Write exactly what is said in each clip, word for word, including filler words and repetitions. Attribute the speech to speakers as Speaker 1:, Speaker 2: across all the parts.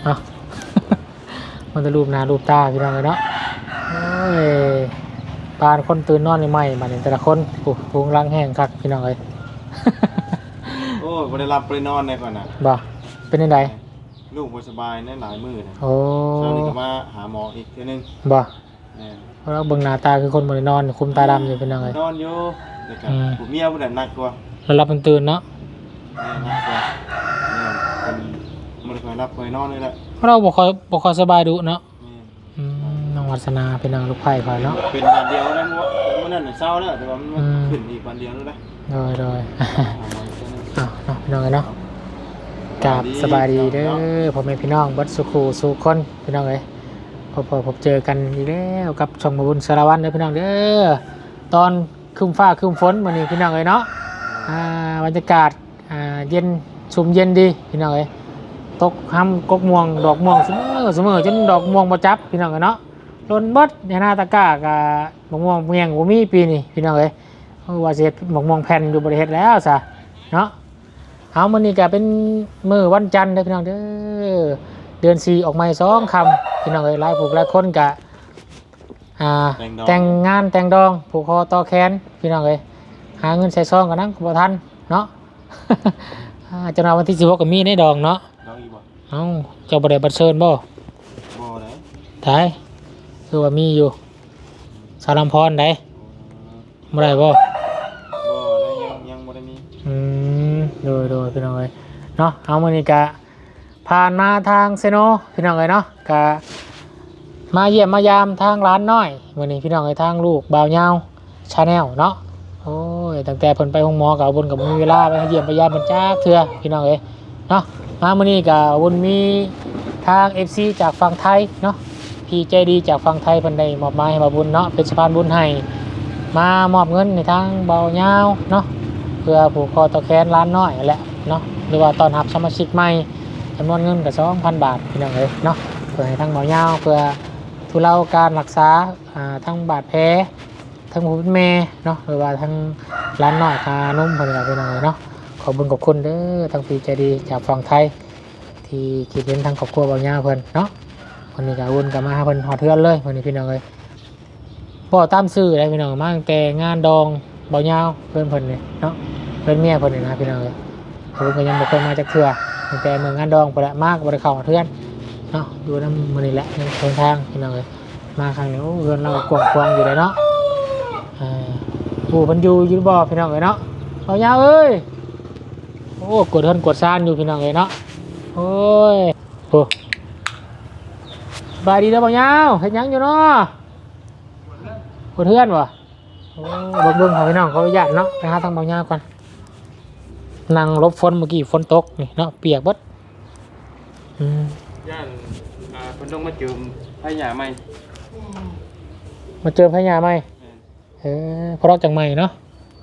Speaker 1: นาะ มันจะรูปหน้ารูปตาพี่น้องเลยเนาะโอ้ยปานคนตื่นนอนใหม่ๆมาเนี่ยแต่ละคนโอ้พุงรังแห้งคักพี่น้องเลย
Speaker 2: โอ้ยบ่ได้รับบ่ได้นอนได้ก่อนน่ะ
Speaker 1: บ่เป็นยังไง
Speaker 2: ลูกบ่สบายแน่หลายมื้อน่ะ
Speaker 1: โอ้
Speaker 2: เช้านี้ก็มาหาหมออีกเทื่อนึง
Speaker 1: บ่
Speaker 2: แม่น
Speaker 1: เพราะเราเบิ่งหน้าตาคือคนบ่ได้นอนคุมตาดำอยู่พี่น้องเลย
Speaker 2: นอนอยู่แล้วก็
Speaker 1: อืม
Speaker 2: ผู้เมียผู้นั้นหนักกว่า
Speaker 1: แล้วรับมันตื่นเนาะ
Speaker 2: แม่หนักกว่าแม่นเพิ่นบ่ได้ค่อยรับค่อยนอนเลยแหละ
Speaker 1: เพราะเราบ่ค่อยบ่ค่อยสบายดุเนาะ
Speaker 2: แม่น
Speaker 1: อืมน้องวัฒนาเป็นนางลูกไผ่คอยเนาะ
Speaker 2: เป็นวันเดียวนั้นว่ามื้อนั้นน่ะเช้าแล้วแต่ว่ามัน
Speaker 1: อืม
Speaker 2: ขึ้นอีกวันเดียวแล้วนะ
Speaker 1: โดยโดย
Speaker 2: หาหมออีกเทื่อนึง
Speaker 1: อ้าวเนาะพี่น้องเอ้ยเนาะกราบสบายดีเด้อพ่อแม่พี่น้องเบัดสุขูสู่คนพี่น้องเอ้ยพบพบพบเจอกันอีกแล้วกับช่องมาบุญสารวัตรเด้อพี่น้องเด้อตอนครึ้มฟ้าครึ้มฝนมื้อนี้พี่น้องเอ้ยเนาะอ่าบรรยากาศอ่าเย็นชุ่มเย็นดีพี่น้องเอ้ยตกห้ำกกม่วงดอกม่วงเสมอเสมอจนดอกม่วงบ่จับพี่น้องเอ้ยเนาะโดนเบิดในหน้าตะกร้ากับมะม่วงเมียงบ่มีปีนี้พี่น้องเอ้ยเพราะว่าสิเฮ็ดมะม่วงแผ่นอยู่บ่ได้เฮ็ดแล้วซะเนาะ เอามื้อนี้ก็เป็นมื้อวันจันทร์เด้อพี่น้องเด้อเดือนสี่ออกใหม่สองคำพี่น้องเอ้ยหลายผู้หลายคนก็อ่าแต่งงานแต่งดองผูกคอต่อแขนพี่น้องเอ้ยหาเงินใส่ซองกันนั่งบ่ทันเนาะ อ่าจังหวะวันที่สิบหกก็มีในดองเนาะ
Speaker 2: น้องอีบ่
Speaker 1: เอ้าเจ้าบ่ได้บัตรเชิญบ่
Speaker 2: บ่ได้
Speaker 1: ถ่ายคือว่ามีอยู่สารำพรได้บ่ได้บ่
Speaker 2: บ่ได้ยังยังบ่ได้มี
Speaker 1: อืมโดยโดยพี่น้องเอ้ยเนาะเอามื้อนี้ก็ผ่านมาทางเซโนพี่น้องเอ้ยเนาะก็มาเยี่ยมมายามทางร้านน้อยมื้อนี้พี่น้องเอ้ยทางลูกบ่าวยาวชาแนลเนาะโอ้ยตั้งแต่เพิ่นไปโรงหมอก็เอาบุญก็บ่มีเวลาไปเยี่ยมไปยามเพิ่นจักเทื่อพี่น้องเอ้ยเนาะมามื้อนี้ก็บุญมีทาง เอฟ ซี จากฝั่งไทยเนาะพี่ใจดีจากฝั่งไทยเพิ่นได้มอบหมายให้มาบุญเนาะเป็นสะพานบุญให้มามอบเงินในทางบ่าวยาวเนาะ เพื่อผูกคอต่อแขนร้านน้อยแหละเนาะหรือว่าตอนรับสมาชิกใหม่จำนวนเงินกับสองพันบาทพี่น้องเลยเนาะเพื่อให้ทั้งหมอยาวเพื่อทุเลาการรักษาอ่าทั้งบาดแผลทั้งผู้เป็นแม่เนาะหรือว่าทั้งร้านน้อยคานุ่มเพื่อนพี่น้องเลยเนาะขอบคุญขอบคุณเด้อทั้งพี่ใจดีจากฝั่งไทยที่คิดเห็นทั้งครอบครัวเบาหญ้าเพื่อนเนาะวันนี้ก็วุ่นกับมาเพื่อนหอดเทือนเลยวันนี้พี่น้องเลยบ่ตามซื้อได้พี่น้องมาตั้งแต่งานดองเบาหญ้าเพื่อนเพื่อนเลยเนาะ เพื่อนเมียคนหนึ่งนะพี่น้องเลยผมก็ยังบ่เคยมาจากเถื่อตั้งแต่เมืองงานดองไปละมากบริเข้าเพื่อนเนาะดูน้ำมันนี่แหละในทางทางพี่น้องเลยมาครั้งนี้โอ้เพื่อนเรากวางกวางอยู่เลยเนาะอ่าผู้พันยูอยืนบ่อพี่น้องเลยเนาะเอายาวเอ้ยโอ้กดเทินกดซานอยู่พี่น้องเลยเนาะโอ้ยโอ้บายดีแล้วบ่ยาวเห็นยังอยู่เนาะกดเทือนวะโอ้เบิ่งๆของพี่น้องเขาอยากเนาะไปหาทางบ่ยาวก่อนนั่งลบฝนเมื่อกี้ฝนตกนี่เนาะเปียกเบิดอืม
Speaker 2: ย่านอ่าเพิ่นต้องมาจืมให้หญ้าใหม่
Speaker 1: มาเจอพญาไหมเออพอรอกจังใหม่เนาะ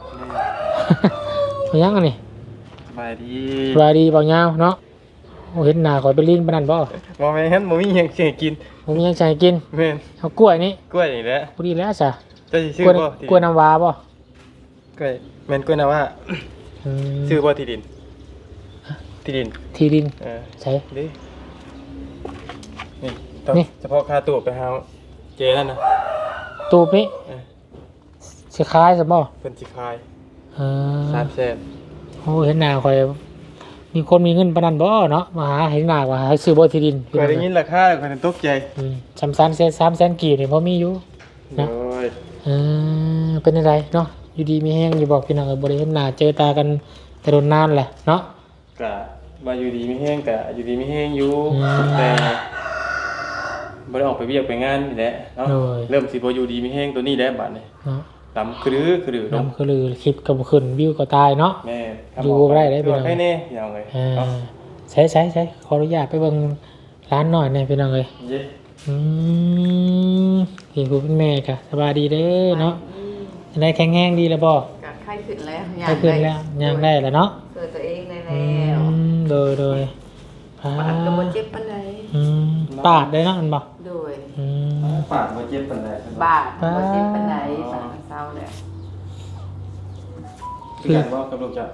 Speaker 1: เป็นยังไงนี่
Speaker 2: สบายดี
Speaker 1: สบายดีเปล่าเงาเนาะโอ้เห็นหน้าข่อยเป็นลิ้นปานนั้นบ่
Speaker 2: บ่แม่นบ่มีหยังสิกิน
Speaker 1: ผมมีหยังใจกิน
Speaker 2: แม่น
Speaker 1: เอากล้วยนี่
Speaker 2: กล้วยนี่แหละ
Speaker 1: พอดีแล้วจ้ะ
Speaker 2: จะสิซื้อก
Speaker 1: ล้วย
Speaker 2: บ่
Speaker 1: กล้วยน้ำว้าบ่
Speaker 2: กล้วยแม่นกล้วยนะว่า
Speaker 1: อืม
Speaker 2: ซื้อบ่ที่ดินที่ดิน
Speaker 1: ที่ดิน
Speaker 2: เออ
Speaker 1: ใช่
Speaker 2: ดินี่ต้อง
Speaker 1: นี่
Speaker 2: เฉพาะค่าตู้ไปหาเจนั่นนะ
Speaker 1: ตูบนี่
Speaker 2: เออ
Speaker 1: สิคล้ายซะบ่
Speaker 2: เพิ่นสิขาย
Speaker 1: เออ
Speaker 2: สามแสน
Speaker 1: โอ้เห็นหน้าข่อยมีคนมีเงินปานนั้นบ่เนาะมาหาเห็นหน้าว่าให้ซื้อบ่ที่ดิน
Speaker 2: เคยได้ยินราคาแล้วก็ตกใจ
Speaker 1: อืมสามแสนสามแสนกีบนี่พอมีอยู่
Speaker 2: โอ้ย
Speaker 1: เออเป็นอะไรเนาะอยู่ดีมีแห้งอยู่บอกพี่น้องเออบริเห็นหน้าเจอตากันแต่โดนนานแหละเนาะ
Speaker 2: กะมาอยู่ดีไม่แห้งกะอยู่ดีไม่แห้งอยู่
Speaker 1: อืม
Speaker 2: แต่บ่ได้ออกไปเวียกไปงานนี่แหละเนาะ
Speaker 1: โดย
Speaker 2: เริ่มสิบ่อยู่ดีไม่แห้งตัวนี้แหละบัดนี้
Speaker 1: เนาะ
Speaker 2: ดำคือรือคือรือลง
Speaker 1: น้ำคือลือคลิปกับขึ้นวิวก็ตายเนาะ
Speaker 2: แม่
Speaker 1: อยู่บ่ได้ได้พี่น้อง
Speaker 2: ใครแน่อย่างเลย
Speaker 1: เออ
Speaker 2: เนาะ
Speaker 1: ใช้ใช้ใช้ขออนุญาตไปเบิ่งร้านหน่อยหน่อยพี่น้องเลย
Speaker 2: เย้
Speaker 1: อืมพี่ผู้เป็นแม่ค่ะสบายดีเด้อเนาะได้แข็งแห้งดีแล้วบ่
Speaker 3: กัดไข้ขึ้นแล้ว
Speaker 1: ได้ขึ้นแล้วย่างได้แล้วเนาะ
Speaker 3: เกิดตัวเองได้
Speaker 1: อื
Speaker 3: แล้ว
Speaker 1: มโดยโดยพา
Speaker 3: ปาดกระบวนเจ็บปานไหน
Speaker 1: อืมปาดได้เนาะมันบ่
Speaker 3: โดย
Speaker 1: อืม
Speaker 2: ปากบ่เจ็บปานใด
Speaker 3: บาดกระบวนเจ็บปานไหนปาดเศร้าแล้ว
Speaker 2: คือกันบ่กับลูกจ้ะ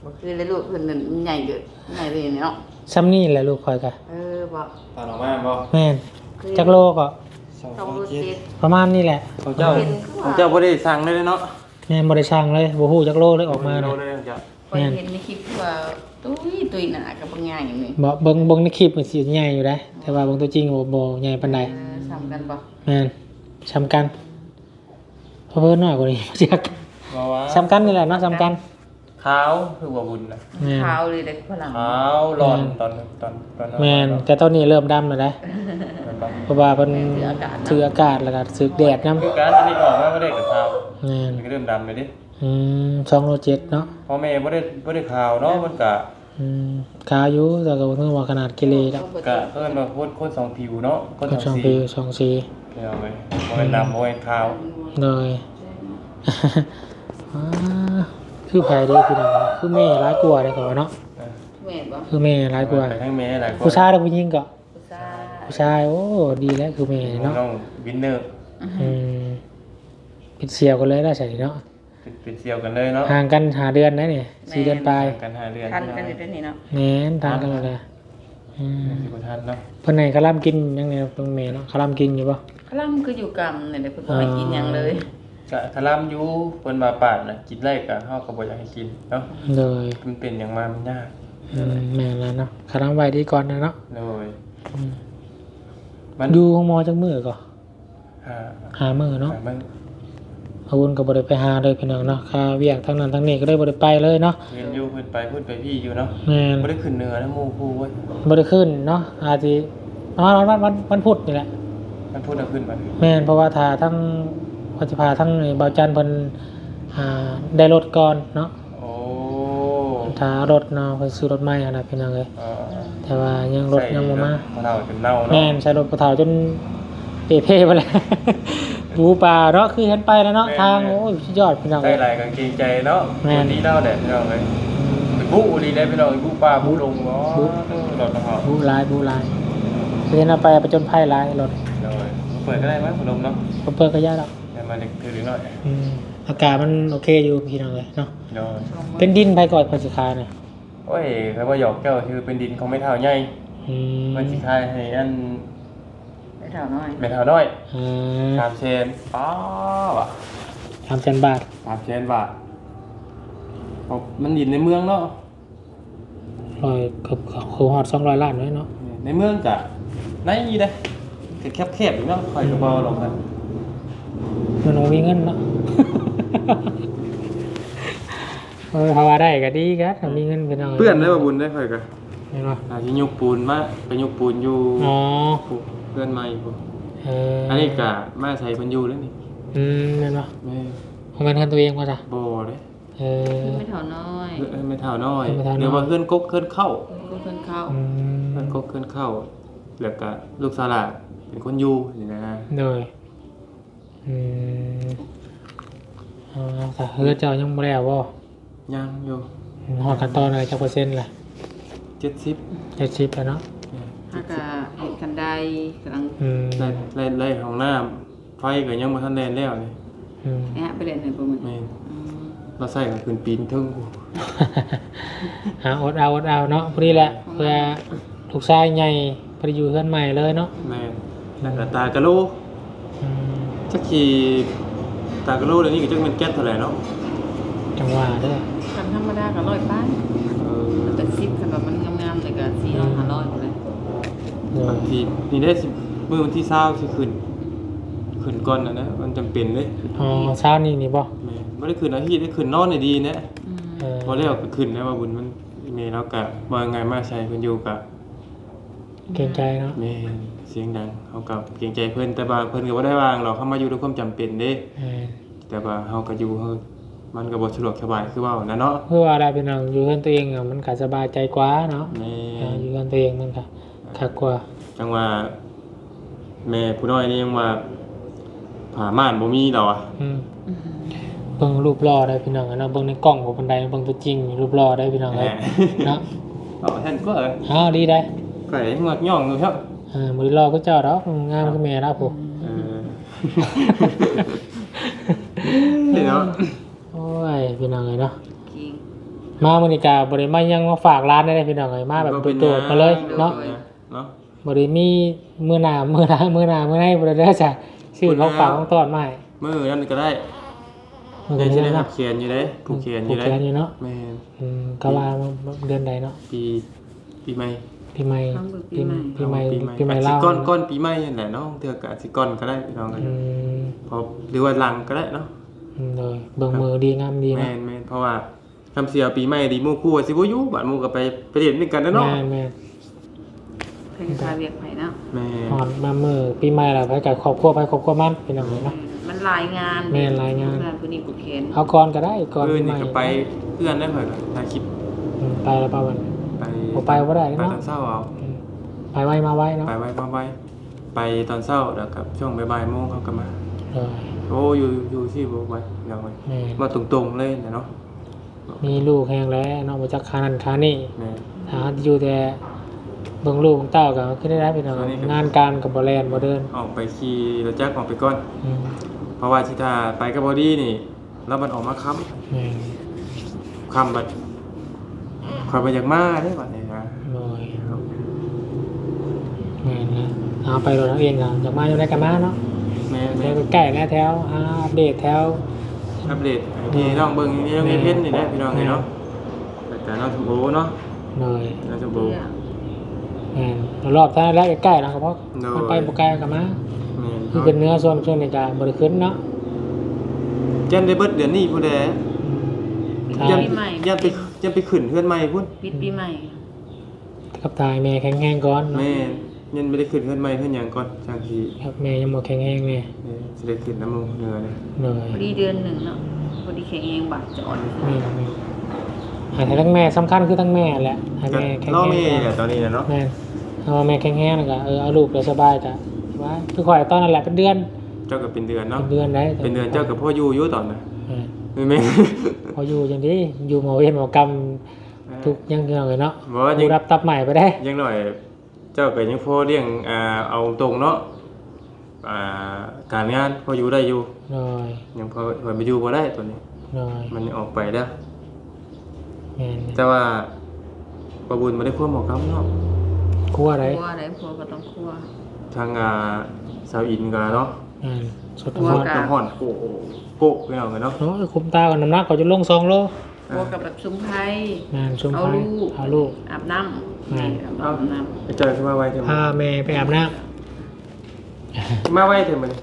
Speaker 3: บ่คือเลยลูกเพิ่นนั่นใหญ่เกินใหญ่เลยเนาะ
Speaker 1: ซ้ำนี่แหละลูกคอยกะ
Speaker 3: เออบ่
Speaker 2: ตอนออกมาบ่
Speaker 1: แม่นจักโลก็
Speaker 3: ต้องรู้สิ
Speaker 1: ประมาณนี้แหละ
Speaker 2: ของเจ้าของเจ้าบ่ได้สั่งเลยเนาะ
Speaker 1: แม่นบ่ได้ช่างเลยบ่ฮู้จักโลเลยออกมา
Speaker 2: โล
Speaker 1: น่ะ
Speaker 2: เลยของเจ้า
Speaker 3: พอยเห็นในคลิปที่ว่าตุ้ยตุ้ยหนากับบางอย่างอย่างนี้
Speaker 1: บ่เบิ่งเบิ่งในคลิปมันสิใหญ่อยู่ได้แต่ว่าเบิ่งตัวจริงบ่บ่ใหญ่ปานใด
Speaker 3: เออซ้ำกันบ่
Speaker 1: แม่นซ้ำกันเพราะเพิ่นน้อยกว่านี้ บ่จัก
Speaker 2: ว่าว่า
Speaker 1: ซ้ำกันนี่แหละเนาะซ้ำกัน
Speaker 2: ขาวคือว่าบุญนะ
Speaker 1: แม่น
Speaker 3: ขาวเลยเด็กฝรั่ง
Speaker 2: ขาวร้อนตอนตอนตอน
Speaker 1: แม่นแต่ตอนนี้เริ่มดำแล้วนะ
Speaker 2: มันบัง
Speaker 1: เพราะว่าเพิ่นถืออากาศแล้วก็ถือแดดนำ
Speaker 2: คือการอันนี้ออกมาบ่ได้กับขาว
Speaker 1: แม่น
Speaker 2: มันก็เริ่มดำเลยดิ
Speaker 1: อืมสองโลเจ็ดเนาะ
Speaker 2: พ่อแม่บ่ได้บ่ได้ขาวเนาะมันก็
Speaker 1: อืมกาอยู่แต่ก็บ่ถึงว่าขนาดกิเลสดอก
Speaker 2: ก็เอิ้นว่าคนคนสองผิวเนาะคน
Speaker 1: ก็
Speaker 2: ส
Speaker 1: ส
Speaker 2: อ
Speaker 1: อง ง
Speaker 2: สี
Speaker 1: ปีสองสี
Speaker 2: เอาไปบ่เป็นดำบ่เป็นขาว
Speaker 1: เลย อ่าคือไผเด้อพี่น้องคือแม่ร้ายกว่าเด้อก็ว่าเนาะ
Speaker 3: แม่นบ่
Speaker 1: คือแม่ร้ายกว่า
Speaker 2: ไปทั้งแม่หลายคน
Speaker 1: ผู้ชายหรือผู้หญิงก็
Speaker 3: ผู้ชาย
Speaker 1: ผู้ชายโอ้ดีแล้วคือแม่เนาะ
Speaker 2: น้องวินเนอร์
Speaker 1: อืมเป็นเสี่ยวกันเลยได้ใช่เนาะ
Speaker 2: เป็นเป็นเสี่ยวกันเลยเนาะ
Speaker 1: ห่างกันหาเดือนนะนี่สี่เดือนปลาย
Speaker 2: กันหาเดือน
Speaker 3: ทันกันอยู่ด้วยนี่เนาะ
Speaker 1: แม่นทางกันเลยอืม
Speaker 2: สิบ่ทันเนาะ
Speaker 1: เพิ่นให้กะล่ำกินยังไงตรงแม่เนาะกะล่ำกินอยู่บ่
Speaker 3: คลั่มคืออยู่กรรมเนี่ยเดี๋ยวเพิ่นบ่ให้กินหยังเลย
Speaker 2: ก็คลำอยู่เพิ่นมาปาดน่ะกินไร่ก็เฮาก็บ่อยากให้กินเนาะ
Speaker 1: เลย
Speaker 2: มันเป็นอย่างมามันยาก
Speaker 1: อืมแม่นแล้วเนาะกะล่ำไว้ดีก่อนนะเนาะ
Speaker 2: เลย
Speaker 1: อืม
Speaker 2: มัน
Speaker 1: อยู่ห้องหมอจักมื้อก็
Speaker 2: หา
Speaker 1: หามื้อเนาะ
Speaker 2: หามัน
Speaker 1: อาวุธก็บ่ได้ไปหาเลยพี่น้องเนาะค่าเวียกทั้งนั้นทั้งนี้ก็ได้บ่ได้ไปเลยเนาะ
Speaker 2: เรียนอยู่เพิ่นไปเพิ่นไปพี่อยู่เนาะ
Speaker 1: แม่น
Speaker 2: บ่ได้ขึ้นเหนือนะหมู่ผู้เว้ย
Speaker 1: บ่ได้ขึ้นเนาะอาจสิวันวันวันวันวันพุธนี่แหละ
Speaker 2: มันพูดเอาขึ้นมา
Speaker 1: แม่นเพราะว่าถ้าทั้งปฏิภาทั้งไอ้เบาจันทร์เพิ่นอ่าได้รถก่อนเนาะ
Speaker 2: โอ้
Speaker 1: ถ้ารถเนาะเพิ่นซื้อรถใหม่หั่นน่ะพี่น้องเอ้ย
Speaker 2: เอ่อ
Speaker 1: แต่ว่ายังรถยังบ่มา
Speaker 2: พอเฒ่าจนเน่า
Speaker 1: แม่
Speaker 2: เนาะ
Speaker 1: นใช้รถกระเถาจนเปเพ่ไปแล้ว บูป่าเนาะคือเห็นไปแล้วเนาะทางโอ้ยสุดยอดพี่น้อง
Speaker 2: ใส่
Speaker 1: เอ้ย
Speaker 2: หลายกางเกงใจเนาะ
Speaker 1: แม่น
Speaker 2: คนนี้เล่าแหละพี่น้องเอ้ยไปบุดีได้พี่น้องบุปลาบุลงเนาะรถกระเฒ่า
Speaker 1: บูหลายบูหลายคือเห็นเอาไปไปจนไพ่หลายรถ
Speaker 2: เลยเปิดก็ได้มั้ยพัดลมเนาะ
Speaker 1: บ่เปิดก็ยากดอก
Speaker 2: แต่มาเด็กถือหน่อย
Speaker 1: อืมอากาศมันโอเคอยู่พี่น้องเอ้ยเนาะ
Speaker 2: เดี๋ยว
Speaker 1: เป็นดินไปก่อนเพิ่นสิคายน่ะ
Speaker 2: โอ้ยเขาว่าหยอกเจ้าคือเป็นดินของไม่เท่าใหญ่
Speaker 1: อืม
Speaker 2: มันสิคายให้อัน
Speaker 3: ไปเท่าน้อย
Speaker 2: ไม่เท่าน้อย
Speaker 1: อ่า
Speaker 2: สามเชนป้าว่ะ
Speaker 1: สามแสนบาท
Speaker 2: สามเชนบาทเอามันดินในเมืองเนาะ
Speaker 1: ร้อยเกือบคือฮอดสองร้อยล้านเลยเนาะ
Speaker 2: ในเมืองกะในนี่เด้แคบแคบๆอยู่เนาะคอยกระเบาลงกัน
Speaker 1: มันบ่มีเงินเนาะ เออถ้าว่าได้ก็ดีครับถ้ามีเงินพี่น้อง
Speaker 2: เพื่อนได้บ่บุญได้คอยกัน
Speaker 1: เห็นบ่
Speaker 2: อาที่ยกปูนมาไปยกปูนอยู่
Speaker 1: อ๋อ
Speaker 2: เพื่อนใหม่พุ่น
Speaker 1: เออ
Speaker 2: อั
Speaker 1: อั
Speaker 2: นนี้กะมาใส่เพิ่นอยู่แล้วนี่
Speaker 1: อืมเห็นบ่
Speaker 2: แม่
Speaker 1: ของมันกันตัวเองว่าจ้ะ
Speaker 2: บ่เด้
Speaker 1: เออ
Speaker 3: ไม่เท่าน้อย
Speaker 2: เอ้ยไม่เท่าน้อย
Speaker 1: ไม่เท่าน้อย
Speaker 2: เดี๋ยวว่าเพื่อนกกเพื่อนเข้า
Speaker 3: ก็เพิ่นเข้า
Speaker 1: อืม
Speaker 2: เพื่อนกกเพื่อนเข้าแล้วก็ลูกสาวหลานเป็นคนอยู่นี่นะ
Speaker 1: โดยอืมเอาแต่เฮือเจ้ายังบ่แล้วบ่
Speaker 2: ยังอยู่
Speaker 1: ฮอดขั้นตอนอะไรจักเปอร์เซ็นต์ล่ะ
Speaker 2: เจ็ดสิบ
Speaker 1: เจ็ดสิบแล้วเนาะ
Speaker 3: ถ้าก็เห็นกันได้กำลัง
Speaker 1: อืม
Speaker 2: ไล่ไล่ไล่ของน้ำไฟก็ยังบ่ทันแล่นแล้วนี่
Speaker 1: อืม
Speaker 3: แอะไปเล่นให้บ่มัน
Speaker 2: แม่น
Speaker 3: อืม
Speaker 2: เราใส่ก็ขึ้นปีนเทึงกู
Speaker 1: หาอดเอาอดเอาเนาะพอดีแหละเพื่อลูกชายใหญ่พอดีอยู่เพื่อนใหม่เลยเนาะ
Speaker 2: แม่นแล้วก็ตากะโล
Speaker 1: อืม
Speaker 2: จักสิตากะโลเดี๋ยวนี้ก็จักแม่นแก๊สเท่าไหร่เนาะ
Speaker 1: จังหวะเด้อ
Speaker 3: คันธรรมดาก็ร้อยป้าย
Speaker 2: เออ
Speaker 3: แต่สิบคันแบบมันงามๆเลยก็สี่ร้อยห้าร้อยพุ่นเลย
Speaker 1: โด
Speaker 2: บาย งทีนี่ได้สิมื้อวันที่เช้าสิขึ้นขึ้นก่อนน่ะนะมันจำเป็นเด้
Speaker 1: อ๋อเช้านี้นี่บ่
Speaker 2: แม่นบ่ได้ขึ้นอาทิตย์ได้ขึ้นนอนได้ดีนะ
Speaker 3: อืม
Speaker 1: เออ
Speaker 2: พอแล้วก็ขึ้นแล้วว่าบุญมันเมแล้วก็ว่าไงมาใช้เพิ่นอยู่กับ
Speaker 1: เกรงใจเนาะ
Speaker 2: แม่เสียงดังเฮากับเกรงใจเพิ่นแต่ว่าเพิ่นก็บ่ได้วางหรอกเฮามาอยู่ด้วยความจำเป็นเด้
Speaker 1: เออ
Speaker 2: แต่ว่าเฮาก็อยู่เฮามันก็บ่สะดวกสบายคือเว้านะเนาะ
Speaker 1: เพื่อว่าได้เป็นน้องอยู่เพื่อนตัวเองอะมันก็สบายใจกว่าเนาะ
Speaker 2: แม่
Speaker 1: เอออยู่เพื่อนตัวเองมันก็คักกว่า
Speaker 2: จังว่าแม่ผู้น้อยนี่ยังว่าผาม่านบ่มีดอกอ่ะ
Speaker 1: อืมเบิ่งรูปหล่อได้พี่น้องอะเนาะเบิ่งในกล้องบ่ปานใดเบิ่งตัวจริงรูปหล่อได้พี่น้อง
Speaker 2: แห
Speaker 1: เอ้
Speaker 2: ม
Speaker 1: ยเนาะ
Speaker 2: เอาท่านก็เออ
Speaker 1: อ้าวดีได้
Speaker 2: ก็ให้งอกย่องอยู่ครับ
Speaker 1: เออบ่ได้หล่อคือเจ้าดอกงามคือแม่ดอกผู้
Speaker 2: เออนี่เนาะ
Speaker 1: โอ้ยพี่น้องเอ้ยเนาะ
Speaker 3: จริง
Speaker 1: มามื้อนี้ก็บ่ได้มายังมาฝากร้านได้พี่น้องเอ้ยมาแบบโดดๆมาเลยเนาะ
Speaker 2: เนาะ
Speaker 1: บ่ได้มีมื้อหน้ามื้อหน้ามื้อหน้ามื้อไหนบ่ได้เด้อจ้ะซื้อของฝากของต้อนมาให้
Speaker 2: มื้อนั้นก็ได้
Speaker 1: มื้อ
Speaker 2: ได้
Speaker 1: นี้
Speaker 2: สิได้
Speaker 1: เนาะ
Speaker 2: เขียนอยู่เด้ผู้เขียนอ
Speaker 1: ผู
Speaker 2: ยู่
Speaker 1: ก
Speaker 2: เด้
Speaker 1: แขนอยู่เนาะ
Speaker 2: แม่น
Speaker 1: อืมก็ว่าเดือนใดเนาะ
Speaker 2: ปีปีใหม่
Speaker 1: ปีใหม่ปีปีใหม่ปีใหม่
Speaker 2: อาจสิ
Speaker 1: ลาว
Speaker 2: ก้อนก้อนปีใหม่นั่นแหละเนาะเทื่อก็อาจสิก้อนก็ได้พี่น้องกัน
Speaker 1: อืม
Speaker 2: พอหรือว่าหลังก็ได้เนาะ
Speaker 1: อืมเลยเบิ่งมือดีงามดี
Speaker 2: แม่
Speaker 1: เนาะ
Speaker 2: นแม่นเพราะว่าคำเสียปีใหม่ดีหมู่คู่ว่าสิบ่อยู่บัดหมู่ก็ไปไปเรียนด้วยกันแล้วเนาะ
Speaker 1: แม่นแม่น
Speaker 3: เพิ่นพาเวียกไปเนาะ
Speaker 2: แม่
Speaker 1: ฮอดมามื้อปีใหม่แล้วไปกับครอบครัวไปครอบครัวมันพี่น้องเอ้ยเนาะ
Speaker 3: มันหลายงาน
Speaker 1: แม่นหลายงาน
Speaker 3: งานผู้นี้ผู้เขียน
Speaker 1: เอาก่อนก็ได้ก่อน
Speaker 2: เพื่อ
Speaker 1: ปี
Speaker 2: น
Speaker 1: ให
Speaker 2: นี่
Speaker 1: ม่
Speaker 2: ก็ไปเพื่อนได้เพิ่นก็ถ่ายคลิป
Speaker 1: อืมไปแล้วป่ะวัน
Speaker 2: ไป
Speaker 1: บ่ไปบ่ได้
Speaker 2: ไป
Speaker 1: เนาะ
Speaker 2: ตอนเช้าเอา
Speaker 1: อืมไปไวมาไวเนาะ
Speaker 2: ไปไว้มาไว้ไปตอนเช้าแล้วกับช่วงบ่ายๆโมงเขาก็มา
Speaker 1: เลย
Speaker 2: โอ้อยู่อยู่ที่บ่ไว้เดี๋ยวไว้
Speaker 1: แม่น
Speaker 2: มาตรงๆเลยนะเนาะ
Speaker 1: มีลูกแฮงแล้วเนาะบ่จักคานั่นคานี่
Speaker 2: แม่
Speaker 1: หาอยู่แต่เบิ่งลูกของเต้าก็คือได้รับพี่น้องงานการก็บ่แล่นบ่เดิน
Speaker 2: ออกไปขี่รถจักรออกไปก่อน
Speaker 1: อืม
Speaker 2: เพราะว่าที่ถ้าไปกับบอดี้นี่แล้วมันออกมาค้ำ
Speaker 1: แม่น
Speaker 2: ค้ำบัดคอยไปจากมาได้บัดนี้นะ
Speaker 1: เลย แม่นนะเอาไปรถเอาเองก็อยากมาอยู่ได้กันมาเนาะ
Speaker 2: แม่
Speaker 1: แถ
Speaker 2: แม่
Speaker 1: วใกล้ๆแล้วแถวอ่าอัปเดตแถว
Speaker 2: อัปเดตที่น้องเบิ่งนี่น้องเอเพชรนี่แหละพี่น้องเนาะแต่น้องสมบูเนาะ
Speaker 1: เลย
Speaker 2: น้องสมบู
Speaker 1: แม่นรอบท่าแล้วใกล้ๆนะครับเพราะ
Speaker 2: โดย
Speaker 1: มันไปบ่ไกลกันมา
Speaker 2: แม่
Speaker 1: คือเป็นเนื้อส่วนส่วนในการบ่ได้ขึ้นเนาะ
Speaker 2: เจันได้เบิดเดือนนี้ผู้ใด
Speaker 1: ทา
Speaker 2: ยั
Speaker 1: ย
Speaker 2: นยันไปยันไปขึ้นเพื่อนใหม่พุ่น
Speaker 3: ปิดปีใหม่
Speaker 1: กับทายแม่แข็งแรงก่อนเนาะ
Speaker 2: แม่ยันไม่ได้ขึ้นเพื่อนใหม่เพื่อนหยังก่อนจังที่
Speaker 1: ครับแม่ยังบ่แข็งแรงแม่
Speaker 2: แม่สิได้ขึ้นน้ำมูกเหนือเลย
Speaker 1: เลย
Speaker 3: พอดีเดือนหนึ่งเนาะพอดีแข็งเองบาดจอด
Speaker 1: แม่แม่หาให้ทั้งแม่สำคัญคือทั้งแม่แหละให้
Speaker 2: ก็
Speaker 1: แม่แข็ง
Speaker 2: รอ
Speaker 1: แรง
Speaker 2: แม่
Speaker 1: ก่อน
Speaker 2: แหละตอนนี้นะเนาะ
Speaker 1: แม่นเอาแม่แข็งแรงแล้วก็เออเอาลูกแล้วสบายจ้ะว่าคือข่อยตอนนั้นแหละเป็นเดือน
Speaker 2: เจ้าก็เป็นเดือน
Speaker 1: เป็
Speaker 2: เนาะ
Speaker 1: นเดือนได้
Speaker 2: เป็นเดือนเจ้ากับพ่ออยู่อยู่ตอนน่ะ
Speaker 1: เออ
Speaker 2: แม่แม่
Speaker 1: พออยู่จังดีอยู่หมอเวรหมอกรรมทุกอยังเกี่ยวเลยเนาะ
Speaker 2: บอกว่ายั
Speaker 1: ผู้
Speaker 2: ง
Speaker 1: รับตับใหม่ไปได้
Speaker 2: ยังหน่อย เจ้าก็ยังพอเลี้ยงอ่าเอาตรงเนาะอ่าการงานพออยู่ได้อยู่
Speaker 1: หน่อย
Speaker 2: ยังพอพอไปอยู่บ่ได้ตัวนี้
Speaker 1: หน่อย
Speaker 2: มันยังออกไปแล้ว
Speaker 1: แม่น
Speaker 2: แต่ว่าประบุญบ่ได้ควบหมอกำเนาะ
Speaker 1: ครัวอะไร
Speaker 3: คั่วอะไรคั่วก็ต้องคั่ว
Speaker 2: ทางอ่าสาวอินก็เนาะ
Speaker 1: แม่นสด
Speaker 3: ครัว
Speaker 1: ทอด
Speaker 3: กะ
Speaker 2: น้ำห่อนโกะโกะไปเอากันเนาะ
Speaker 1: เนาะคุมตากับน้ำหนักก็จะลงสองโล
Speaker 3: คั่วกับแบบซุ้มไผ่
Speaker 1: แม่นชุม
Speaker 3: เอา
Speaker 1: พาย
Speaker 3: ลูก
Speaker 1: เอาลูก
Speaker 3: อาบน้ำ
Speaker 1: แม่
Speaker 3: อาบน้ำ
Speaker 2: ไปเจอขึ้นมาไว้เถอะ
Speaker 1: พาแม่ไปอาบน้
Speaker 2: มาไว้เถอะมัน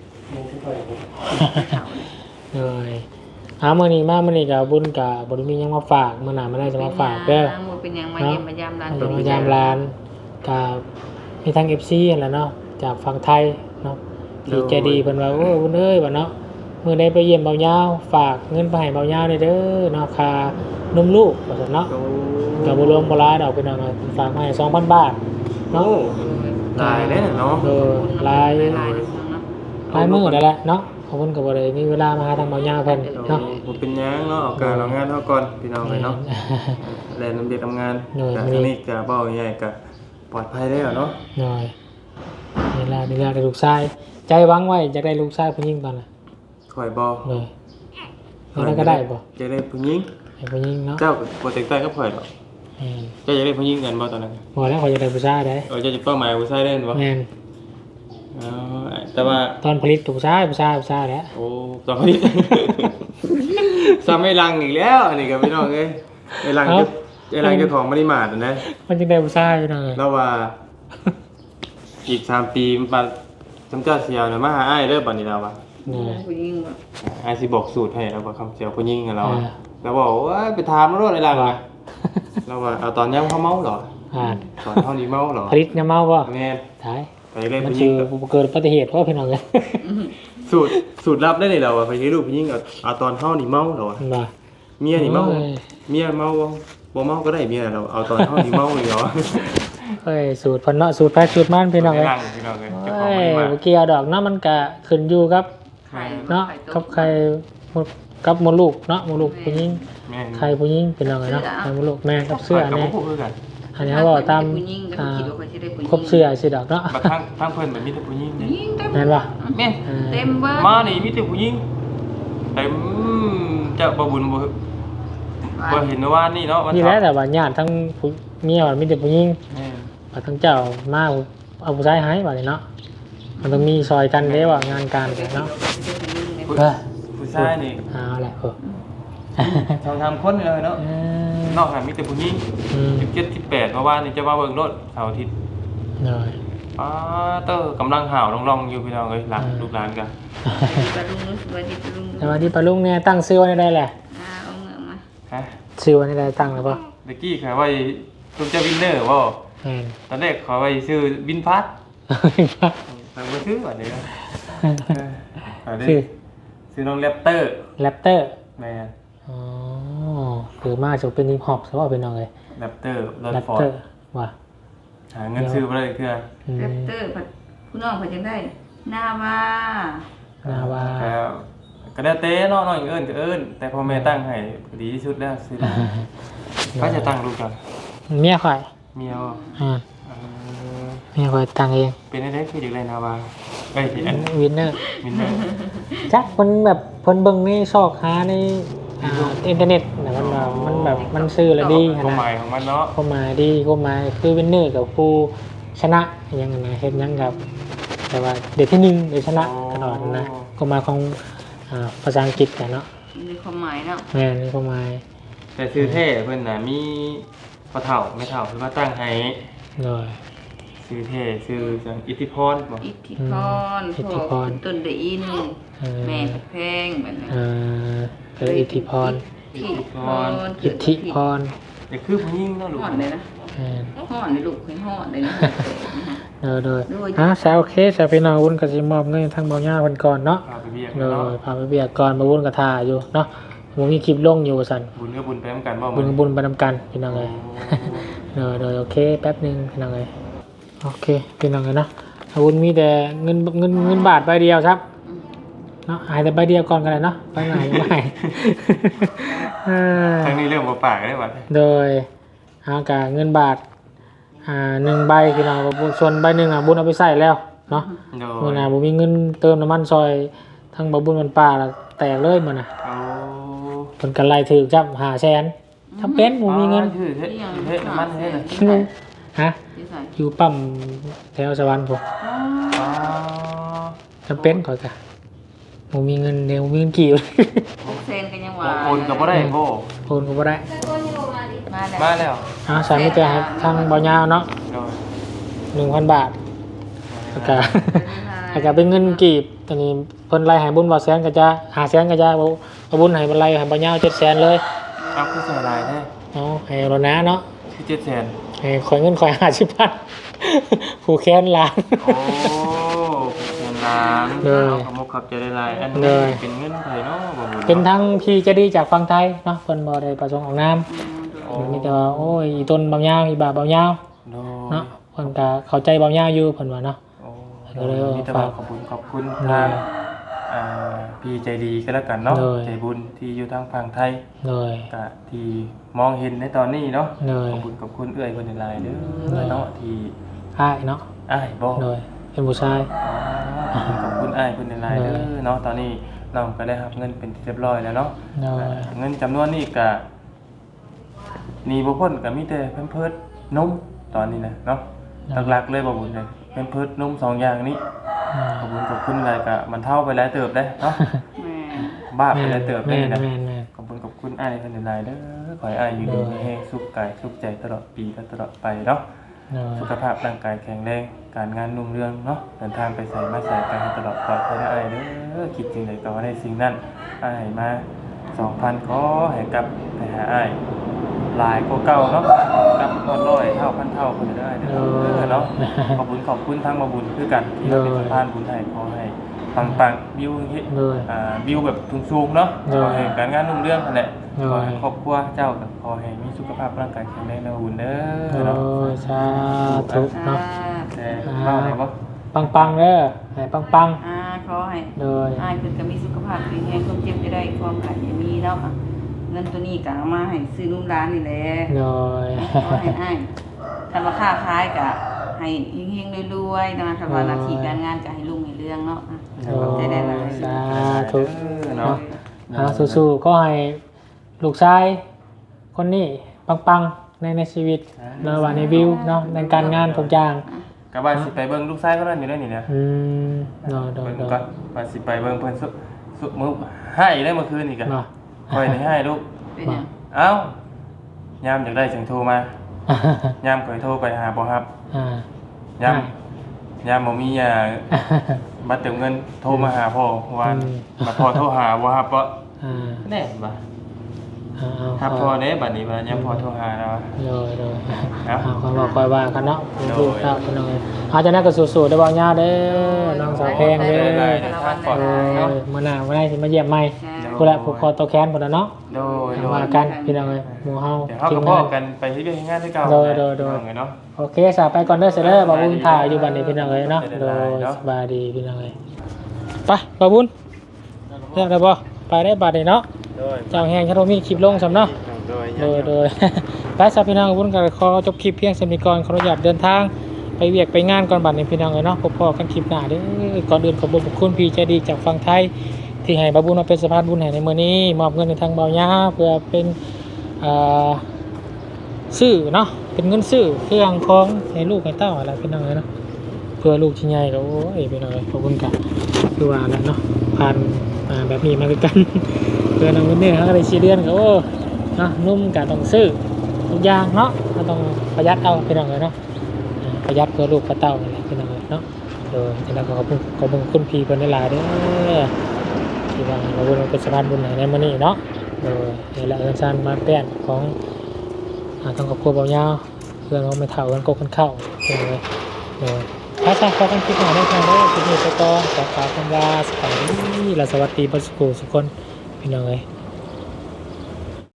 Speaker 1: ำเลยเอามื้อนี้มามื้อนี้กับบุญกับบ่ได้มีหยังมาฝากมื้อหน้ามื้อหน้าจะมาฝากเด้อ
Speaker 3: บ่เป็นหยังมาเยี่ยมมายามร้าน
Speaker 1: เดี๋ยวมายามร้านกับมีทาง เอฟ ซี นั่นแหละเนาะจากฝั่งไทยเนาะที่ใจดีเพิ่นว่าโอ้บุญเอ้ยว่าเนาะมื้อใดไปเยี่ยมเบายาวฝากเงินไปให้เบายาวได้เด้อเนาะค่านมลูกว่าซั่นเนาะ
Speaker 2: โอ้
Speaker 1: ก็บ่รวมบ่หลายดอกเป็นเอาฝากมาให้ สองพัน บาทเนาะ
Speaker 2: ลายได้เนาะ
Speaker 1: เออหลาย
Speaker 3: หลายเนาะ
Speaker 1: หลายมื้อนั่นแหละเนาะขอบคุณก็บ่ได้มีเวลามาหาทางเบายาวเพิ่นเนาะ
Speaker 2: ผมเป็นยังเนาะเอาการเอางานเท่าก่อนพี่น้องเลยเนาะแลนน้ำเด็ดทำงานแต่ทีนี้ก็เบาใหญ่ก็ปลอดภัยได้เนาะ
Speaker 1: หน่อยเวลาเวลาได้ลูกชายใจหวังไว้จะได้ลูกชายผู้หญิงตอนน่ะ
Speaker 2: คอยบอ
Speaker 1: เลยแล้วก็ได้บ่
Speaker 2: จะได้ผู้หญิง
Speaker 1: ให้ผู้หญิงเนาะ
Speaker 2: เจ้าโปรเจกต์ใต้ก็คอยหรอก
Speaker 1: แม่น
Speaker 2: เจ้าจะได้ผู้หญิงกันบ่ตอนนั้น
Speaker 1: บ่แล้วเขาจะได้ผู้ชายได้
Speaker 2: เออเจ้าจะเป้าหมายผู้ชายได้บ่
Speaker 1: แม่น
Speaker 2: อ๋อแต่ว่า
Speaker 1: ตอนผลิตผู้ชายผู้ชายผู้ชายแหล้ว
Speaker 2: โอ้ตอนนี้ ซ้ำไม่ลังอีกแล้วอันนี้ก็ไม่น้องเอ้ยไอ้ลังเจ้าไอ้ลังเจ้าของบริมาตรนะ
Speaker 1: มันจึงได้ผู้ชายอยู่หน่อย
Speaker 2: แล้วว่า อีกสามปีมันปะจำเจ้าเสียวเนี่ยมาหาอ้ายเด้อบัดนี้แล้วว่า
Speaker 1: นี่
Speaker 3: ผู้หญิงว่า
Speaker 2: อ้ายสิบอกสูตรให้แล้วว่าคำเสียวผู้หญิงกับเรา
Speaker 1: อ่า
Speaker 2: แล้วบอกว่าไปถามมันรถไอ้ลังอ่ะแล้วว่าเอาตอนยังเขาเมาเหรอ
Speaker 1: อ่าน
Speaker 2: ตอนเท่านี้เมาเหรอ
Speaker 1: ผลิตเนี่ยเมาบ่
Speaker 2: แม่น
Speaker 1: ถ่าย
Speaker 2: ไปเล่น
Speaker 1: มัน
Speaker 2: ผู้หญิ
Speaker 1: คื
Speaker 2: ง
Speaker 1: อ
Speaker 2: กับ
Speaker 1: เกิดอุบัติเหตุเพราะพี่น้องเลย
Speaker 2: สูตรสูตรลับได้เลยเราอะไปใช้ลูกผู้หญิงเอาเอาตอนเท่านี้เมาเหรอวะ
Speaker 1: บ่
Speaker 2: เมียนี่เมา
Speaker 1: โอ้ย
Speaker 2: เมียเมาบ่บ่เมาก็ได้เมียเราเอาตอนเท่านี้เมาเลยเหรอ
Speaker 1: เอ้ยสูตรเพิ่นเนาะสูตรแพ้สูตรมันพี่น้อง
Speaker 2: ไม่
Speaker 1: เอ้ย
Speaker 2: นั่งพี่น้องเลยเจ้าขอ
Speaker 1: เอ้
Speaker 2: ง
Speaker 1: ย
Speaker 2: ไม่มา
Speaker 1: บ่เกี่ยวดอกเนาะมันก็ขึ้นอยู่กับ
Speaker 3: ไข่
Speaker 1: เนาะ
Speaker 3: ไข่ต้
Speaker 1: กับ
Speaker 3: ม
Speaker 1: ใครกับมดลูกเนาะมดลูกผู้หญิง
Speaker 2: แม่น
Speaker 1: ใครผู้หญิงเป็นยังไงเนาะใครมดลูกแม่กับเสื้อ
Speaker 2: กับ
Speaker 1: เนี่ย
Speaker 2: พวกเพื่อนกัน
Speaker 1: อันนี้เขาบอกตาม
Speaker 3: ผู้หญิงก็
Speaker 1: อ่า
Speaker 3: คิดว่าเขาสิได้ผู้หญิง
Speaker 1: ครบเสื้อสิดอกเนาะ
Speaker 2: บัดทั้งทั้งเพื่อนแบบมีแต่ผู้หญิง
Speaker 3: ผู้หญิงเต็ม
Speaker 1: แม่นป่ะ
Speaker 2: แม่น
Speaker 1: อ่า
Speaker 3: เต็มเบิด
Speaker 2: มานี่มีแต่ผู้หญิงแต่เจ้าบ่บุญบ่บ่เห็นว่านี่เนาะวัน
Speaker 1: นี่แหละแต่ว่าญาติทั้งผู้เมียมันมีแต่ผู้หญิง
Speaker 2: แม่น
Speaker 1: ว่าทั้งเจ้ามาเอาผู้ชายให้ว่านี่เนาะมันต้องมีซอยกันเด้ว่างานการเนาะ
Speaker 2: ผู้
Speaker 1: เออ
Speaker 2: ผู้ชายนี่
Speaker 1: เอาแหละเออ
Speaker 2: ทางทำคนเลยเนาะ
Speaker 1: เออน
Speaker 2: อกจากมีแต่ผู้หญิง
Speaker 1: อืม
Speaker 2: สิบเจ็ด สิบแปดเมื่อวานนี่จะมาเบิ่งรถเสาร์อาทิตย์
Speaker 1: หน่อย
Speaker 2: ป้าเตอร์กำลังห่าวร่องๆอยู่พี่น้องเอ้ยหลาน
Speaker 1: อ่า
Speaker 2: ลูกหลานกัน
Speaker 3: ปลาลุงรู้สึกว่าที่ปลาลุง
Speaker 1: แต่ว่าที่ปลาลุงเนี่ยตั้งชื่อไว้ได้แหละ
Speaker 3: อ่าเอาเงือกมา
Speaker 2: ฮะ
Speaker 1: ชื่อไว้ได้ตั้งแล้วป่ะ
Speaker 2: เด็กกี้ขายไว้ตุ้มเจ้าวินเนอร์บ่
Speaker 1: แม่น
Speaker 2: ตอนแรกขอไว้ชื่อวินพัทแต่ไม่ชื่อว่าเดี๋ยวเอาดิ
Speaker 1: ชื่อ
Speaker 2: ชื่อน้องแรปเตอร์
Speaker 1: แรปเตอร์
Speaker 2: แม่
Speaker 1: อ๋อคือมาจะเป็นฮิปฮอปซะว่าเป็นอะไร
Speaker 2: แรปเตอร์รถ
Speaker 1: แรป
Speaker 2: ฟอ
Speaker 1: เต
Speaker 2: ร์
Speaker 1: อ
Speaker 2: ด
Speaker 1: ร์ว่ะ
Speaker 2: หาเงินซื้อมาเลยเพื่อ
Speaker 1: อืม
Speaker 3: แรปเตอร์ผัดผู้น้องเพิ่นจังได้นาวาน
Speaker 1: าวา
Speaker 2: แล้วก็ได้เต้เนาะน้องเอิ้นก็เอิ้นแต่พ่อแม่ตั้งให้ดีที่สุดแล้วซื้อก็จะตั้งลูกกัน
Speaker 1: เมียข่อย
Speaker 2: เมียบ่
Speaker 1: อ่า
Speaker 2: เออ
Speaker 1: เมียข่อยตั้งเอง
Speaker 2: เป็นได้คืออยู่ไรนาวาเอ้ยที่อัน
Speaker 1: วินเนอร์
Speaker 2: มินเนอร์
Speaker 1: จักคนแบบคนเบิ่งในซอกหาในอ่าอินเทอร์เน็ตนะมันแบบมันแบบมันซื้อแล้วดี
Speaker 2: ความห
Speaker 1: นะ
Speaker 2: มายของมันเนาะ
Speaker 1: ความหมายดีความหมายคือวินเนอร์กับผู้ชนะอยังไงนะเฮ็ดหยังกับ แต่ว่าเดี๋ยวที่หนึ่งเดี๋ยวชนะตลอดนะความหมายของอ่าภาษาอังกฤษกันเนาะ
Speaker 3: มีความหมายเนาะ
Speaker 1: แม่นี่ความหมาย
Speaker 2: แต่ซื้อเท่เพิ่นน่ะมีพอเฒ่าไม่เฒ่าเพิ่นมาตั้งให้
Speaker 1: เลย
Speaker 2: ซื้อเท่ซื้อจังอิทธิพรบ่
Speaker 3: อิทธิพร
Speaker 1: อิทธิพร
Speaker 3: ต้นได้อิน
Speaker 1: เออ
Speaker 3: แม่ผัดแพงแบบนั้น
Speaker 1: เอ่อเอออิทธิพร
Speaker 3: อิทธิพร
Speaker 1: อิทธิพร
Speaker 2: แต่คือผู้หญิงเนาะลูก
Speaker 3: ห่อนเลยนะ
Speaker 1: แม่น
Speaker 3: ห่อนเลยลูกเคยห่อนเลยนะ
Speaker 1: เออเลยอ่ะแซวโอเคแซวพี่น้องวุ้นกับสิมอบเงินทั้งเบาหญ้าคนก่อนเนาะ
Speaker 2: พาไปเบียก
Speaker 1: เล
Speaker 2: เนาะ
Speaker 1: ยพาไปเบียกก่อนมาวุ้นกับทาอยู่เนาะผมมีคลิปลงอยู่สัน
Speaker 2: บุญก็บุญไปนำกันบ่
Speaker 1: บุญ
Speaker 2: มื้
Speaker 1: กับ
Speaker 2: อ
Speaker 1: บุญไปนำกันพี่น้องเลยเลยเลยโอเคแป๊บหนึงพี่น้องเลยโอเคพี่น้องเลยเนาะอาวุธมีแต่เงินเงินเงินบาทใบเดียวครับเนาะหายแต่ใบเดียวก่อนกันเลยเนาะไปไหนไม่เออ
Speaker 2: ครั้งนี้เรื่องบ่ปากได้บัด
Speaker 1: โดยเอากาเงินบาทอ่าหนึ่งใบพี่น้องบุญส่วนใบหนึ่งอ่ะบุญเอาไปใส่แล้วเนาะ
Speaker 2: โด
Speaker 1: เมื่อย น่ะบุมีเงินเติมน้ำมันซอยทั้งบะบุญมันป่าละแตกเลยมื่อน่ะ
Speaker 2: เอา
Speaker 1: ผลกันไล่ถือจับหาแสนทำเป็นบุมีเงิน
Speaker 2: ชื่อเท่เท่น้ำมันเท่น่ะ
Speaker 1: ฮะ
Speaker 3: ที่ใส่
Speaker 1: อยู่ปั๊มแถวสวรรค์ผม
Speaker 2: อ๋อ
Speaker 1: จำเป็นขอยกะบุมีเงินเดี๋ยวบุมีเงินกี่
Speaker 3: หกเซนกันยังหวา
Speaker 2: โอนก็บ่ได้โบ
Speaker 1: โอนก็บ่ได้
Speaker 3: มาแล้ว
Speaker 2: มาแล้ว
Speaker 1: อ่าสามมิตรให้ทางเบาหยาวเนาะ
Speaker 2: โดย
Speaker 1: หนึ่งพันบาทแล้วก็ อาจจะเป็นเงินกีบตอนนี้เพิ่นไล่ให้บุญบ่แสนก็จะหาแสนก็จะบ่บ่บุญให้มันไล่ให้บ่ยาวเจ็ดแสนเลย
Speaker 2: เอาคือใส่ลายแท้
Speaker 1: เอาให้รถนะเนาะ
Speaker 2: คือเจ็ดแสน
Speaker 1: ให้ข่อยเงินข่อยห้าสิบพันผู้แค้นล้าน
Speaker 2: โอ้เงินล้าน
Speaker 1: เลย
Speaker 2: ขโมยขับใจได้ลายอัน
Speaker 1: เล
Speaker 2: นี้
Speaker 1: ย
Speaker 2: เป็นเงินไทยเนาะบ่บุญ
Speaker 1: เป็นทั้งพี่เจะดีจากฝั่งไทยเนาะเพิ่นบ่ได้ประสงค์ออกนาม
Speaker 2: โอ้
Speaker 1: มีแต่ว่าโอ้ยอีต้นเบายาวอีบาเบายาว
Speaker 2: โด
Speaker 1: เนาะเพิ่นก็เข้าใจเบายาวอยู่เพิ่นว่าเนาะ
Speaker 2: โอ้
Speaker 1: ก็เลยว่า
Speaker 2: มีแต่ว่าขอบคุณขอบคุณ
Speaker 1: เลย
Speaker 2: ทางอ่าพี่ใจดีก็แล้วกันเนาะ
Speaker 1: เลย
Speaker 2: ใจบุญที่อยู่ทางฝั่งไทย
Speaker 1: เลย
Speaker 2: กะที่มองเห็นในตอนนี้เนาะ
Speaker 1: เลย
Speaker 2: ขอบคุณกับคุณเอื้อยคนในไลน์เด้
Speaker 1: เล
Speaker 2: อย เนาะที่
Speaker 1: อ้ายเนาะ
Speaker 2: อ้ายบอก
Speaker 1: เลยเป็นผู้ชาย
Speaker 2: อ๋อขอบคุณอ้ายคนในไลน์เด้
Speaker 1: เล
Speaker 2: อย เนาะตอนนี้น้องก็ได้รับเงินเป็นที่เรียบร้อยแล้วเนาะ
Speaker 1: เลย
Speaker 2: อ่าเงินจำนวนนี้กะหนี่บ่พ้นก็มีแต่เพิ่นเพิดนมตอนนี้นะเนาะหลักๆเลยบ่บุญเลยเพิ่นเพิดนมสองอย่างนี้ขอบคุณกับคุณหลายกะมันเท่าไปหลายเติบได้เนาะ
Speaker 3: แม่
Speaker 2: บ้าไปหลายเติบได้
Speaker 1: แม่น
Speaker 2: นะ
Speaker 1: แม่นแม่น
Speaker 2: ขอบคุณกับคุณอ้ายคนในไลน์เด้อขอให้อ้ายอยู่ดีมีแรงสุขกายสุขใจตลอดปีและตลอดไปเนาะ
Speaker 1: เลย
Speaker 2: สุขภาพร่างกายแข็งแรงการงานรุ่งเรืองเนาะเดินทางไปใส่มาใส่กันให้ตลอดปลอดภัยได้อ้ายเด้อคิดจริงใดก็ว่าได้สิ่งนั้นอ้ายมาสองพันขอให้กลับไปหาอ้ายหลายกว่าเก่าเนาะกลับฮอดร้อยเท่าพันเท่าคนได้เด้อเนาะขอบคุณขอบคุณทั้งมาบุญคือกันที่เป็นสะพานบุญให้ขอให้ปังๆบิวเฮ็ด
Speaker 1: เลย
Speaker 2: อ่าบิวแบบสูงๆเนาะ
Speaker 1: เออ
Speaker 2: ขอให้การงานรุ่งเรืองนั่นแหละ
Speaker 1: เออ
Speaker 2: ขอให้ครอบครัวเจ้ากับขอให้มีสุขภาพร่างกายแข็งแรงนะบุญเด้
Speaker 1: โอ้
Speaker 2: อเนาะ
Speaker 1: ยสาธุเนาะ
Speaker 2: แต่เล่าได้บ่
Speaker 1: ปังปังๆเด้อให้ปังปัง
Speaker 3: อ่าขอให้
Speaker 1: ๆเลย
Speaker 3: อ้ายเพิ่นก็มีสุขภาพแข็งแรงความเจ็บจะได้ความไข้อย่ามีเนาะเงินตัวนี้ก็เอามาให้ซื้อนุ่มร้านนี่แหละ
Speaker 1: เลย
Speaker 3: ขอให้อ้ายทำมาค้าขายก็ให้เฮงๆรวยๆนะทำว่าหน้าที่การงานก็ให้รุ่งให้เรืองเนาะอ่ะ
Speaker 1: โอ้
Speaker 3: ใจได้หลาย
Speaker 1: สาธุ
Speaker 2: เนาะ
Speaker 1: เอาสู้ๆก็ให้ลูกชายคนนี้ปังๆในในชีวิตในวันในวิวเนาะในการงานทุกอย่าง
Speaker 2: ก็ว่าสิไปเบิ่งลูกชายเขานั่นอยู่ได้นี่นะ
Speaker 1: อืมโดยโดย
Speaker 2: เพิ่น
Speaker 1: โด
Speaker 2: ก็
Speaker 1: ย
Speaker 2: ว่าสิไปเบิ่งเพิ่นสุสุมื้อให้ได้เมื่อคืนนี่ก็
Speaker 1: เนาะ
Speaker 2: ค่อยได้ให้ลูก
Speaker 3: เป็นหยัง
Speaker 2: เอ้ายามอยากได้จังโทรมายามข่อยโทรไปหาบ่รับ
Speaker 1: อ่าย
Speaker 2: ามยามบ่มียาบัตรเติมเงินโทรมาหาพ่อวานบัดพ่อโทรหาบ่รับบ่
Speaker 1: อ่า
Speaker 2: แน่บ่
Speaker 1: เอาเอา
Speaker 2: ครับพ่อเด้บัดนี้บัดยามพ่อโทรหาแล้ว
Speaker 1: โดยโดย
Speaker 2: ครับ
Speaker 1: เอาคำบอกคอยว่ากันเนาะลูกเต้าพี่น้องเอ้ยเอาจะนั่นก็สู้ๆได้บ่ยาวเด้อน้องสาวแพงเด้อ
Speaker 2: ได้ๆทางปลอด
Speaker 1: เอ
Speaker 2: ภัยเนาะ
Speaker 1: อมื้อหน้ามื้อหน้าสิมาเยี่ยมใหม่ผู้ละผู้คอตัวแขนพุ่นน่ะเนาะ
Speaker 2: โดยโด
Speaker 1: ว่าย กันพี่น้องเอ้ยหมู่เฮา
Speaker 2: เดี๋ยวเฮา
Speaker 1: ที
Speaker 2: ก็
Speaker 1: ม
Speaker 2: พอง
Speaker 1: าน
Speaker 2: กันไปที่เรื่องงานที่เก่า
Speaker 1: โดยโดยโดย
Speaker 2: พี่น้องเนาะ
Speaker 1: โอเคสาไปก่อนเด้อเสยเด้อบ่าวบุญถ่ายอยู่บัดนี้พี่น้องเอ้ยเนาะ
Speaker 2: ได้
Speaker 1: โด
Speaker 2: ได้
Speaker 1: ย
Speaker 2: เนาะ
Speaker 1: สบายดีพี่น้องเอ้ยไปบ่าวบุญเรียกได้บ่ไปได้บัดนี้เนาะ
Speaker 2: โดย
Speaker 1: เจ้าแฮงชะโทมีคลิปลงซำเนาะ
Speaker 2: โดย
Speaker 1: โดยโดย ไปสาพี่น้องบุญก็ขอจบคลิปเพียงสำนี้ก่อนขออนุญาตเดินทางไปเวียกไปงานก่อนบัดนี้พี่น้องเอ้ยเนาะพบพอกันคลิปหน้าเด้อก่อนอื่นขอบคุณคุณพี่ใจดีจากฝั่งไทยที่ให้บ่าวบุญมาเป็นสะพานบุญให้ในมื้อนี้มอบเงินในทางเบาหญ้าเพื่อเป็นอ่าซื้อเนาะเป็นเงินซื้อเครื่องของให้ลูกให้เต้าอะไรพี่น้องเอ้ยเนาะเพื่อลูกที่ใหญ่ก็โอ้ยพี่น้องเอ้ยขอบคุณกันคือว่าแล้วเนาะผ่านอ่าแบบนี้มาคือกัน เพื่อนเอาเงินเนี่ยเขาก็ได้ชี้เดือนก็โอ้เนาะนุ่มกะต้องซื้อทุกอย่างเนาะก็ต้องประหยัดเอาพี่น้องเลยเนาะอ่าประหยัดเพื่อลูกเพื่อเต้านี่แหละพี่น้องเลยเนาะเออที่เราก็ขอบคุณขอบคุณคุณพี่เพิ่นได้หลายเด้อที่ว่าเราบุญเป็นสะพานบุญในมื้อนี้เนาะเออนี่แหละเอิ้นซ่านมาแป้นของอ่าต้องขอบคุณเบาหญ้าเพื่อนของไม่เฒ่ากันกบกันเข้าพี่น้องเลยเออถ้าสร้างความคิดหน่อยได้ทางเด้อคลิปนี้ไปก่อนขอกล่าวคำลาสวัสดีและสวัสดีเบ่สุขสุขคนพี่น้องเอ้ย